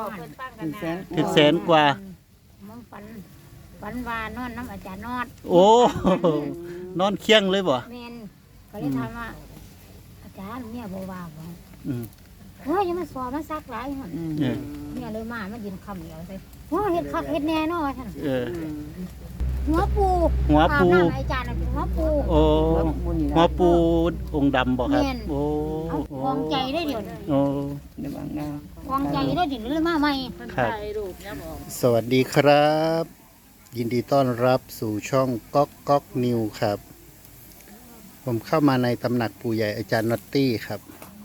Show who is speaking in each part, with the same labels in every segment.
Speaker 1: ถึงแสนกว่า
Speaker 2: มึงฝันว่านอนน้ำอาจารย์นอด
Speaker 1: โอ้นอนเคียงเลยบ่
Speaker 2: แม่นก็เลยถามว่าอาจารย์เนี่ยบ่ว่าบ่
Speaker 1: อืม
Speaker 2: โอ้ยยังมาสอบมาซักหลายหั่นเนี่ยเลยมายืนคำเดียวใส่โอ้เฮ็ดคักเฮ็ดแน่เนาะท่านหัวปูอาจารย์น่ะเป็นหัวปู
Speaker 1: โอ้หัวปูองค์ดำบ่ครับโอ้
Speaker 2: วางใจได้เดี๋ยว
Speaker 1: โอ้
Speaker 2: วางใจได้เดี๋ยวเลยมาใหม่
Speaker 1: ครับสวัสดีครับยินดีต้อนรับสู่ช่องก๊อกก๊อกนิวครับผมเข้ามาในตำหนักปู่ใหญ่อาจารย์น็อตตี้ครับ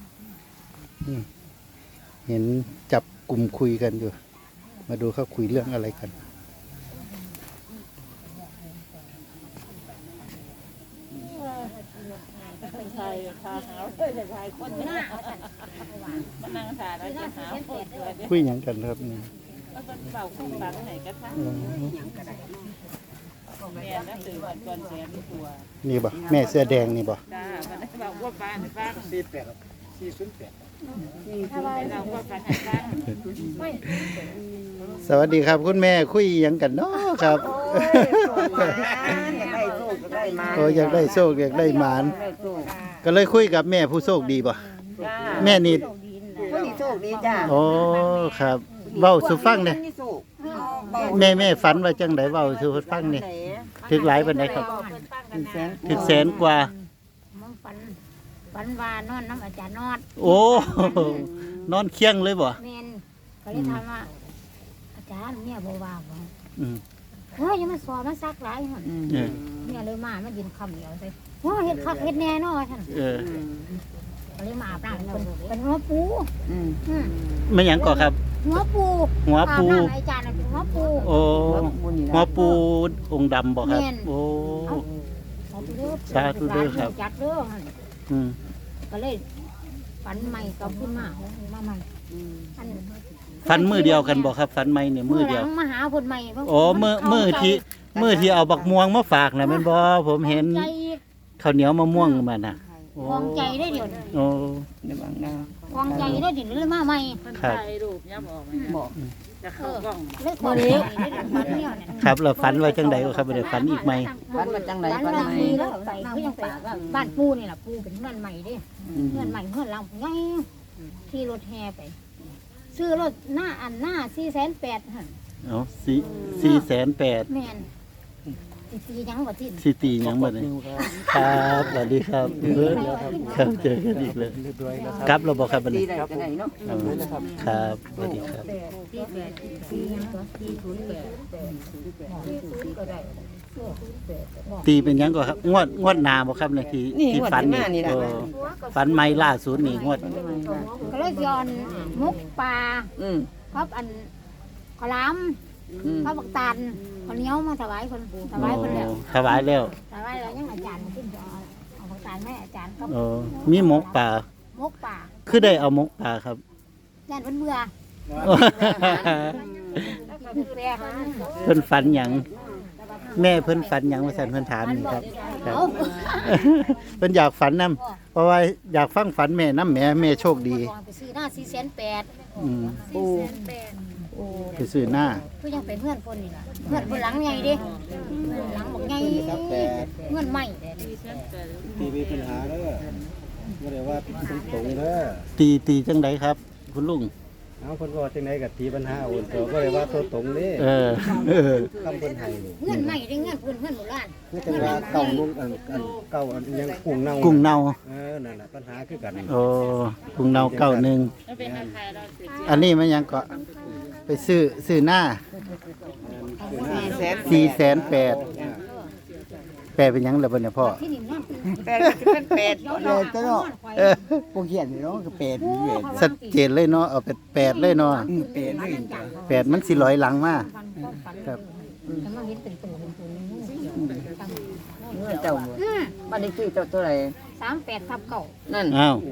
Speaker 1: เห็นจับกลุ่มคุยกันอยู่มาดูเขาคุยเรื่องอะไรกันคุยอย่างกันครับนี่นี่บ่แม่เสื้อแดงนี่บ่สวัสดีครับคุณแม่คุยอย่างกันเนาะครับโอ้อยากได้โชคอยากได้หมานก็เลยคุยกับแม่ผู้โชคดีบ่แม่นี่
Speaker 3: ผู้โชคดีจ้า
Speaker 1: โอ้ครับเว้าสู่ฟังเนี่ยแม่ฝันว่าจังไดเว้าสู่ฟังนี่ถึงหลายปานใดครับถึงแสนกว่า
Speaker 2: มึงฝันว่านอนน้ำอาจารย์นอด
Speaker 1: โอ้นอนเคียงเลยบ่
Speaker 2: แม่นก็เลยถามว่าอาจารย์เนี่ยบ่ว่าบ่โอ้ยยังมาสอบมาซักหลายหั่นเนี่ยเลยมายืนคำเดียวใส่โอ้เฮ็ดคักเฮ็ดแน่เนาะท่านก็เลยมาอาบน้ำเป็นหัวปู
Speaker 1: ไม่หยังก่อครับ
Speaker 2: หัวปูอาจารย์เป็นหัวปู
Speaker 1: โอ้หัวปูองค์ดำบ่ครับโอ้สาธุเด้อครับ
Speaker 2: จัดเด้อก็เลยฝันใหม่กับขึ้นมาใหม่
Speaker 1: ฝันมือเดียวกันบ่ครับฝันใหม่เนี่ยมือเดียว
Speaker 2: มาหาคนใหม่
Speaker 1: โอ้มือที่เอาบักม่วงมาฝากน่ะแม่นบ่ผมเห็นข้าวเหนียวมะม่วงมันน่ะ
Speaker 2: วางใจได้เดี๋ยว
Speaker 1: โอ้
Speaker 2: วางใจได้เดี๋ยวเลยมาใหม่
Speaker 1: ครับ
Speaker 3: บอก
Speaker 2: จะเข้ากล้องเลิกคนนี้
Speaker 1: ครับเราฝันไว้จังใดครับเดี๋ยวฝันอีกไหม
Speaker 3: ฝันมาจังใดฝันไหม
Speaker 2: ใส่เขายังใส่บ้านปูนี่แหละปูเป็นเพื่อนใหม่ดิเพื่อนใหม่เพื่อนเราไงที่รถแห่ไปซื้อรถหน้า480,000หั่น
Speaker 1: อ๋อ480,000
Speaker 2: แม่นตียังบ่ทิ้ง
Speaker 1: สิตียังบ่นี่ครับสวัสดีครับครับเจอกันอีกเลยครับเราบอกครับบัดนี้ครับครับสวัสดีครับตีเป็นยังก่อนครับงวดหน้าบ่ครับเนี่ยที่ฝันนี่ฝันใหม่ล่าสุดนี่งวด
Speaker 2: ก็เลยย้อนมุกปลาครับอันขลามพระบักตันคนเหนียวมาถวายคนถวายคนแล้ว
Speaker 1: ถวายแล้ว
Speaker 2: ยังอาจารย์ขึ้นเอาบักตันแม่อาจารย์ก็
Speaker 1: มีหมกปลาคือได้เอาหมกปลาครับ
Speaker 2: ย่านเบื่อ
Speaker 1: เพิ่นฝันหยังแม่เพิ่นฝันหยังว่าซั่นเพิ่นถามนี่ครับเพิ่นอยากฝันนำเพราะว่าอยากฟังฝันแม่นำแม่โชคดี
Speaker 2: ไปซื้อหน้า480,000
Speaker 1: ไปซื้อหน้า
Speaker 2: คือยังเป็นเพื่อนคนนี่ล่ะเพื่อนคนหลังใหญ่ดิหลังบอกใหญ่เพื่อนใหม่
Speaker 4: ตีมีปัญหาเด้อบ่ได้ว่าตรงเด้อ
Speaker 1: ตีจังไดครับคุณลุง
Speaker 4: เอาคนว่าจังได๋ก็ตีปัญหาโอนตัวบ่ได้ว่าตัวตรงนี่ทำเพิ่นให้
Speaker 2: เงินใหม่ได้เงินเพิ่นโบราณ
Speaker 4: นี่แต่ว่าเก่าลุงเก่ายังกุ้งเน่านั่นน่ะปัญหาคือกัน
Speaker 1: โอ้กุ้งเน่าเก่านึงอันนี้มันยังก็ไปซื้อหน้า480,000แปลเป็นยังล่ะบ่เนี่ยพ่อ
Speaker 3: แปดเป็นเป็ดเนาะบ่เขียนเนาะก็เป็ด
Speaker 1: ชัดเจนเลยเนาะเอาเป็น8เลยเนาะ
Speaker 3: เป็ดเลย
Speaker 1: 8มันสิลอยหลังมาครับ
Speaker 3: เจ้าบ้านเลขที่เจ้าตัวไหน
Speaker 2: 38/9
Speaker 3: นั่น
Speaker 1: อ้าว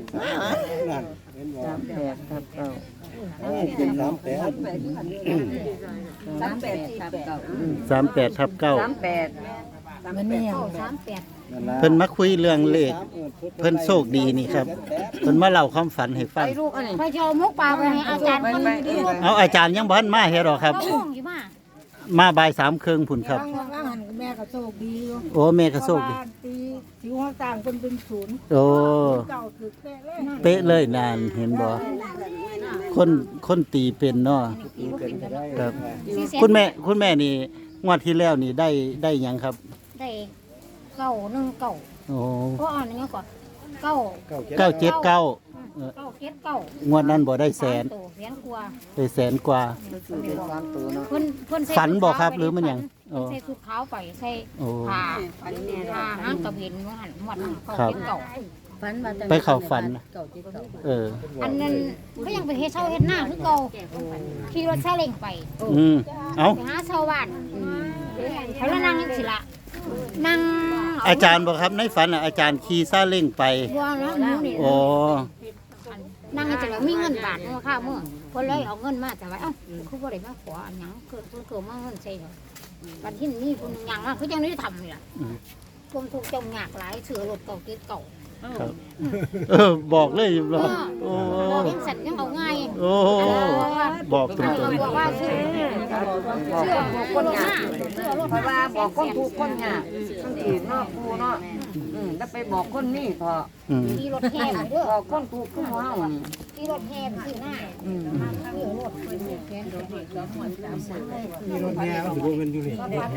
Speaker 3: 38/9
Speaker 1: 38/9
Speaker 2: มันนี่ยัง38
Speaker 1: เพิ่นมาคุยเรื่องเลขเพิ่นโชคดีนี่ครับเพิ่นมาเล่าความฝันให้ฟัง
Speaker 2: พอจะเอามุกปลาไปให้อาจารย์คนดี
Speaker 1: เอาอาจารย์ยังบ่ทันมาเฮ็ดหรอกครับ
Speaker 2: ก็ง่วงอยู่มา
Speaker 1: มาบ่าย3 ครึ่งพุ่นครับ
Speaker 5: ว่าหันแม่ก็โชคดีอยู่
Speaker 1: โอ้แม่ก็โชคดี
Speaker 5: ตีสิวต่างคนเป็นศูนย์
Speaker 1: โอ้
Speaker 5: เก่าคือแป้เลย
Speaker 1: เป๊ะเลยนานเห็นบ่คนตีเป็นเนาะครับ คุณแม่นี่งวดที่แล้วนี่ได้หยังครับ
Speaker 2: ได้919
Speaker 1: โอ้
Speaker 2: ก็อ่านอย่างนี้ก่อน9
Speaker 1: 979 งวดนั้นบ่ได้แสน
Speaker 2: แสนกว่า
Speaker 1: ได้แสนกว่า
Speaker 2: เพิ่นใส่
Speaker 1: ฝันบ่ครับหรือมันหยัง
Speaker 2: เพิ่นใส่ชุดขาวไปใส่
Speaker 1: โอ้
Speaker 2: ผ้าหางกระเบนว่าหั่นหมด
Speaker 1: ครับ
Speaker 2: ฝันว่า
Speaker 1: ไปเข้าฝันนะเออ
Speaker 2: อันนั้นก็ยังไปเฮ็ดเช่าเฮ็ดหน้าคือเก่าขี่รถซาเล้งไป
Speaker 1: เอา
Speaker 2: ไปหาชาวบ้านเขาแล้วนั่งจังซี่ล่ะนั่ง
Speaker 1: อาจารย์บ่ครับในฝันน่ะอาจารย์ขี่ซาเล้งไป
Speaker 2: ว่าแล้วหนูนี่
Speaker 1: โอ้
Speaker 2: นั่งจังแล้วมีเงินบาทมาค่ามื้อเพิ่นเลยเอาเงินมาแต่ว่าเอ้าคือบ่ได้มาขออันหยังเกิดมาเงินใส่เนาะบัดที่นี่เพิ่นหยังมาคือจังได้ทำนี่ล่ะความทุกข์จมยากหลายเสือรถเก่าติดเก่า
Speaker 1: ครับบอกเลยบ่โอ้
Speaker 2: บอกยังสั่นยังเอาง่าย
Speaker 1: โอ้บอกตรง
Speaker 2: บอกว่าเชื่อคนหน้าเชื่อรถ
Speaker 3: เพราะว่าบอกคนถูกคนยากคนอื่นเนาะกูเนาะแล้วไปบอกคนนี้พอ
Speaker 1: ๆ
Speaker 2: ขี่รถแห่ไปเด้อ
Speaker 3: บอกคนถูกคือหมู่เฮานี่
Speaker 2: ขี่รถแห่ไปที่หน้าเชื่อรถแขนรถเด็กแล้วหมด
Speaker 4: มีรถแห่เอาสิบ่แม่นอยู่นี่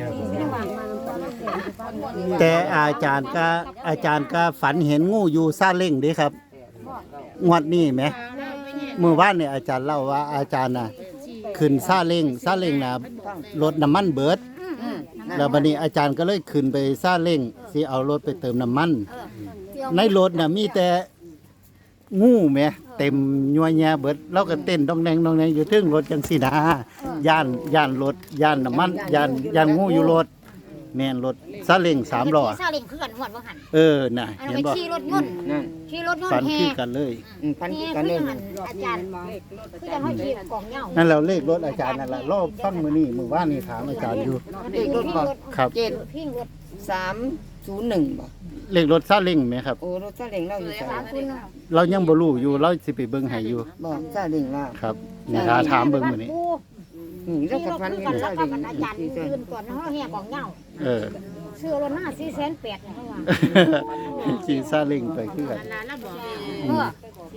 Speaker 1: แต่อาจารย์ก็ฝันเห็นงูอยู่ซาเล้งเด้ครับงวดนี้ไหมเมื่อวานเนี่ยอาจารย์เล่าว่าอาจารย์น่ะขึ้นซาเล้งน่ะรถน้ำมันเบิดแล้วบัดนี้อาจารย์ก็เลยขึ้นไปซาเล้งสิเอารถไปเติมน้ำมัน ในรถน่ะมีแต่งูแหมเต็มยัวแยะเบิดเราก็เต้นดองแดงอยู่ถึงรถจังซี่นะย่านรถย่านน้ำมันย่านงูอยู่รถแม่นรถซาเล้ง3ล้อ
Speaker 2: ซาเล้งคือกันหมดว่าหัน
Speaker 1: น่ะ
Speaker 2: อัน
Speaker 1: เห็น
Speaker 2: ไป
Speaker 1: บ่
Speaker 2: ขี่รถยนต์
Speaker 3: นั่น
Speaker 2: ขี่รถยน
Speaker 1: ฝัน
Speaker 2: ต์แห่
Speaker 1: คือกันเลย
Speaker 3: พัน
Speaker 2: แห่
Speaker 3: กัน
Speaker 2: คื
Speaker 3: เล
Speaker 2: อย หันอาจารย์คือจะให้ขี่กองเหย้า
Speaker 1: นั่นแล้วเลขรถอาจารย์นั่นล่ะรอบฟังมื้อนี้มื้อวานนี่ถามอาจารย์อยู่
Speaker 3: เลขรถบ่
Speaker 1: ครับ
Speaker 2: พิงรถ
Speaker 3: 301บ่
Speaker 1: เลขรถซาเล้งไหมครับ
Speaker 3: โอ้รถซาเล้งเราอยู่ไส
Speaker 2: 30
Speaker 1: เรายังบ่รู้อยู่เราสิไปเบิ่งให้อยู่
Speaker 3: บ่ซาเล้งเรา
Speaker 1: ครับนี่ถ้าถามเบิ่งมื้อนี้
Speaker 3: นี่เราก็พัน
Speaker 2: กั
Speaker 3: กัน น
Speaker 2: แล้
Speaker 3: ซาว
Speaker 2: ก็
Speaker 3: เล้ง
Speaker 2: อาจารย์ยืนก่อนเฮาแห่กองเหย้า
Speaker 1: เออ
Speaker 2: เชื่อรถหน้า480,000เฮาว่า
Speaker 1: ขี่ซาเล้งไปคือกัน
Speaker 2: เออ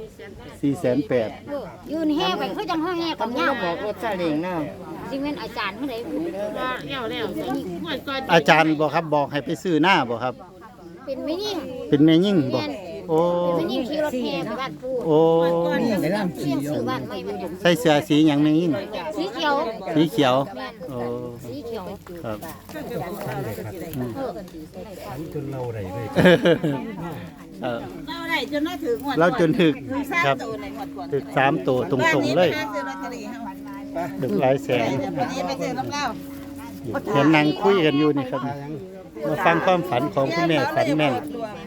Speaker 1: 480,000
Speaker 2: ยืนแห่ไปคือจังเฮาแห่กองเหย้า
Speaker 3: บอกรถซาเล้งนะ
Speaker 2: สิแม่นอาจารย์เฮาได้แล้ว
Speaker 1: อาจารย์บอกครับบอกให้ไปซื้อหน้าบ่ครับ
Speaker 2: เป็นไม่ยิ่ง
Speaker 1: เป็นแม่ยิ่งบ่โอ้
Speaker 2: เป็นไม่ยิ่งขี่รถแห่ไปบ้านปู่
Speaker 1: โอ้
Speaker 2: เสียงสื่อบ้านไม่เป็น
Speaker 1: ใส่เสื้อสีหยังแม่ยิ่ง
Speaker 2: สีเขียว
Speaker 1: สีเขียว
Speaker 2: แม่น
Speaker 1: โอ้
Speaker 2: สีเขียว
Speaker 1: ครับ
Speaker 4: จนเราได้เลย
Speaker 1: เออ
Speaker 5: เราได้จนน่าถือหมด
Speaker 1: เราจนถึก
Speaker 5: สร้าง
Speaker 1: ครับ
Speaker 5: ตัวในหมดก่อน
Speaker 1: ถึก3ตัวตรงๆเลย
Speaker 5: บ้านนี้ไปหาซื้อลอตเตอรี่ให้มัน
Speaker 1: ถึกหลายแสน
Speaker 5: วันนี้ไปซื้อน้ำเหล้า
Speaker 1: เห็นนั่งคุยกันอยู่นี่ครับมาฟังความฝันของคุณแม่ฝันแม่น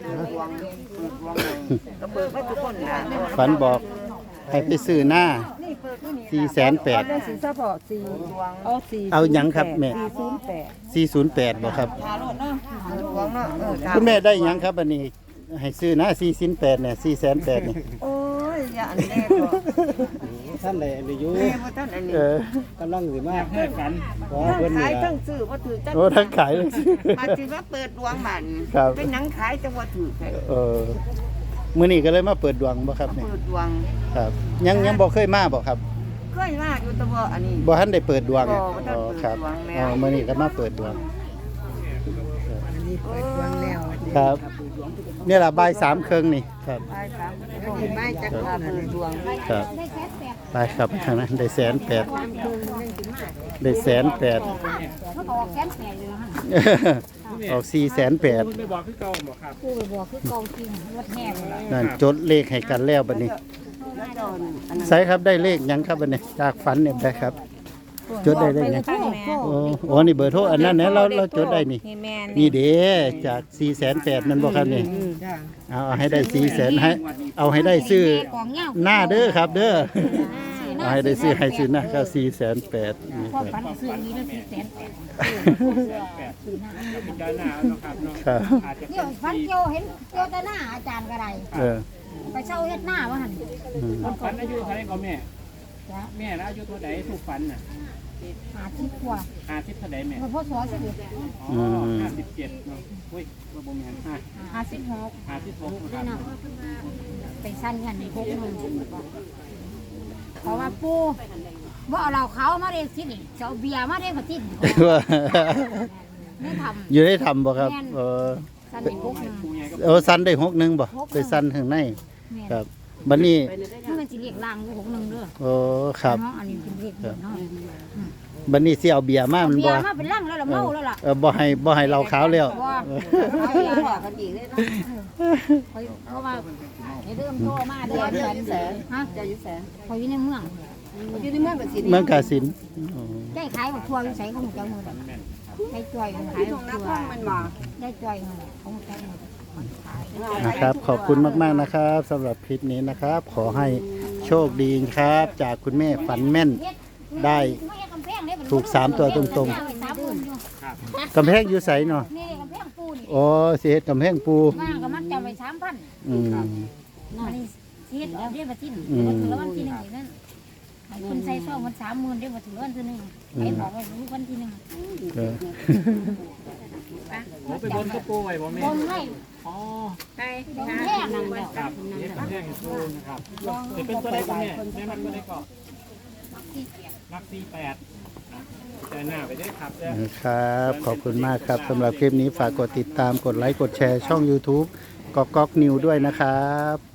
Speaker 3: ก็เบิกไว้ทุกคนน่ะ
Speaker 1: ฝันบอกให้ไปซื้อหน้า480,000
Speaker 5: สีสะพอสีเอาสี
Speaker 1: เอาหยังครับแม่
Speaker 5: 08
Speaker 1: 408บ่ครับ
Speaker 5: หาโลดเนาะ
Speaker 3: หลวงเนาะเออ
Speaker 1: คุณแม่ได้หยังครับอันนี้ให้ซื้อหน้า408เนี่ย408นี่
Speaker 3: โอ้ยอย่าอันแน่บ่
Speaker 4: ท่านใดอันนี้อยู่
Speaker 3: แม่บ่ทันอันนี้
Speaker 4: กำลังสิมาให้ฝันขอเพิ่น
Speaker 3: ขา
Speaker 4: นี่
Speaker 3: ย
Speaker 4: ล่ะ
Speaker 3: ทั้งซื้อบ่ถือจัก
Speaker 1: โอ้ทั้งขายเลยสิ
Speaker 3: มาสิมาเปิดดวงบัด
Speaker 1: ครับ
Speaker 3: เป็นหนังขายจังว่าถือแท้
Speaker 1: มื้อนี้ก็เลยมาเปิดดวงบ่ครับเนี่ย
Speaker 3: เปิดดวง
Speaker 1: ครับยังบ่เคยมาบ่ครับ
Speaker 3: เคยมาอยู่แต่ว่าอันนี้
Speaker 1: บ่ทันได้เปิดดวง
Speaker 3: บ่ทันเปิด
Speaker 1: ครับ
Speaker 3: ดวงแล้ว
Speaker 1: มื้อนี้ก็มาเปิดดวง
Speaker 3: เปิดดวงแล้ว
Speaker 1: ครับนี่ล่ะบ่าย3ครึ่งนี่ครับ
Speaker 3: ไปครับไปจักว่าเปิดดวง
Speaker 1: ครับ
Speaker 2: ได้แค่แปด
Speaker 1: ไปครับทางนั้นได้180,000ได้180,000
Speaker 2: เขาบอกแค่แปดเลยฮะ
Speaker 1: ออก480,000
Speaker 4: ไม่บอกคือเก่าบ่ครับ
Speaker 2: ปู่ไปบอกคือกองจริงรถแห่เลย
Speaker 1: นั่นจดเลขให้กันแล้วบัดนี้ใส่ครับได้เลขหยังครับบัดนี้จากฝันเนี่ยได้ครับ จดได้เลขหยังโอ้นี่เบอร์โทรอันนั้นเนี่ยเราจดได้นี่
Speaker 5: นี่แม่
Speaker 1: นี่เด้จาก480,000นั่นบ่ครับนี่เอาให้ได้400,000ให้เอาให้ได้ซื้อ
Speaker 2: กองเหย้า
Speaker 1: หน้าเด้อครับ เด้อ
Speaker 2: ซื้อน้า
Speaker 1: ให้ได้ซื้อให้ซื้อหน้าก็480,000นี่
Speaker 2: พ่อ
Speaker 1: ครับ
Speaker 2: ฝันซื้ออย่างนี้แล้ว480,000ซื้อหน้า
Speaker 6: พิจารณาเนาะครับเนาะ
Speaker 1: ครับ
Speaker 6: อาจจะ
Speaker 2: เดี๋ยวฝันเกี่ยวเห็นเกี่ยวแต่หน้าอาจารย์ก็ได้
Speaker 1: เออ
Speaker 2: ไปเช่าเฮ็ดหน้าว่าหั่น
Speaker 1: อืม
Speaker 6: ฝันอายุเท่าไหร่ก็แม่
Speaker 2: จ้ะ
Speaker 6: แม่นะอายุเท่าไหร่ถูกฝันน่ะ
Speaker 2: 50กว่า
Speaker 6: 50เท่าไหร่แม่
Speaker 2: มันพ่อสอสิ
Speaker 6: อ๋อ57เนาะอุ้ยว่าบ่แม่น
Speaker 2: 56
Speaker 6: 56ครับ
Speaker 2: เนาะไปสั้นกันใน6นึงเพราะว่าปู่บ่เอาเหล้าขาวมาเด้สินี่จะเอาเบียร์มาเด้บ่ติดไม่ทำ
Speaker 1: อยู่ได้ทำบ่ครับเออ
Speaker 2: สั้นใน6นึง
Speaker 1: สันได้61บ่ไปสันข้างใน
Speaker 2: แม่น
Speaker 1: ครับบัดนี้
Speaker 2: มันสิเรียกล่างอยู่6นึงเด้อ
Speaker 1: โอ้ครับ
Speaker 2: เนาะอันนี้เป็นเรียกเนาะ
Speaker 1: บัดนี้สิเอาเบียร์มามัน
Speaker 2: เบีย
Speaker 1: บ่
Speaker 2: ร์มาเป็นล่างแล้วล่ะเมาแล้วล่ะ
Speaker 1: บ่ให้เราขาวแล้ว
Speaker 2: บ่
Speaker 3: เอาอย่าบอกกันอีกเลยเนาะ
Speaker 2: เพราะว่าไอ้เริ่มโทรมาเดือนฮะ
Speaker 3: จะอยู่แสน
Speaker 2: พออยู่ในเมือง
Speaker 3: อยู่ในเมืองกับสิ
Speaker 1: เมืองกาฬสินธุ์
Speaker 2: ได้ขายบักทัวอยู่ไสของเจ้ามือได้จ่อยขาย
Speaker 3: ตร
Speaker 2: บั
Speaker 3: ง
Speaker 2: ก
Speaker 3: หน้า
Speaker 2: ทัว
Speaker 3: ท้องมันบ่
Speaker 2: ได้จ่อยของเจ้ามือขาย
Speaker 1: นะครับขอบคุณมากๆนะครับสำหรับคลิปนี้นะครับ ขอให้โชคดีครับ จากคุณแม่ฝันแม่นได้ถูก3ตัวตรงๆกำแพงอยู่ไสเนาะ
Speaker 2: นี่กำแพงปูนี่
Speaker 1: อ๋อสิเฮ็ดกำแพงปู
Speaker 2: มาก็มัดจำไว้ 3,000
Speaker 1: อืม
Speaker 2: อันนี้สิเฮ็ดเอาเรียกว่าที่1บ่ถึงวันที่1อีกนั่นให้คุณใส่ซองมัน30,000ได้บ่ถึงวันที่1ให้บอกว่ารู้วันที่1
Speaker 1: เออ
Speaker 6: โอ้ไปบนกระปูไว้บ่แม่
Speaker 2: บ่ให้
Speaker 6: อ๋อ
Speaker 2: ไปแพงนั่งแล้ว
Speaker 6: ครับนี่กำแพงให้ปูนะครับจะเป็นตัวใดก็แม่แม่มันตัวใดก็มัก48นะแต่หน้าไปด้วยครับเด้อ
Speaker 1: ครับขอบคุณมากครับสำหรับคลิปนี้ฝากกดติดตามกดไลค์กดแชร์ช่อง YouTube ก๊อกก๊อกนิวด้วยนะครับ